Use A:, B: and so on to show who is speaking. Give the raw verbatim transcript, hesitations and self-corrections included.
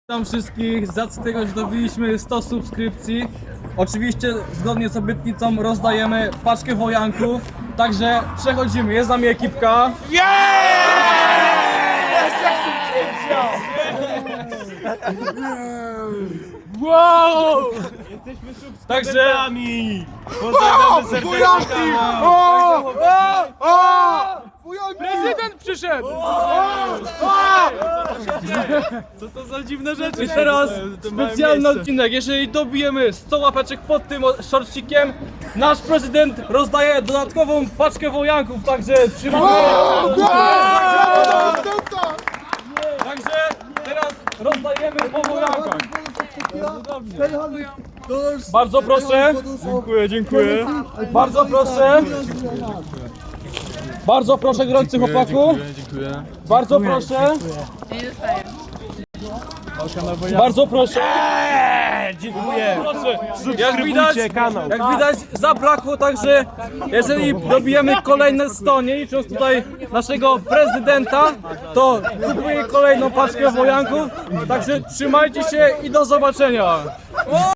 A: Witam wszystkich, z racji tego, że dobiliśmy sto subskrypcji. Oczywiście zgodnie z obietnicą rozdajemy paczkę wojanków. Także przechodzimy, jest z nami ekipka. Wow! Także
B: Pozdrawiamy serdecznie kanał.
A: prezydent przyszedł! Co to za dziwne rzeczy? I teraz specjalny odcinek. Jeżeli dobijemy sto łapeczek pod tym shortcikiem, nasz prezydent rozdaje dodatkową paczkę wojanków, także trzymamy. Także teraz rozdajemy po wojankach. Bardzo proszę. Dziękuję, dziękuję. Bardzo proszę. Bardzo proszę, gorący chłopaku. Bardzo proszę. Bardzo proszę.
B: Dziękuję.
A: Proszę. Jak
B: Subskrybujcie
A: widać,
B: kanał.
A: jak widać zabrakło, także jeżeli dobijemy kolejne sto, nie licząc tutaj naszego prezydenta, to kupuję kolejną paczkę wojanków. Także trzymajcie się i do zobaczenia.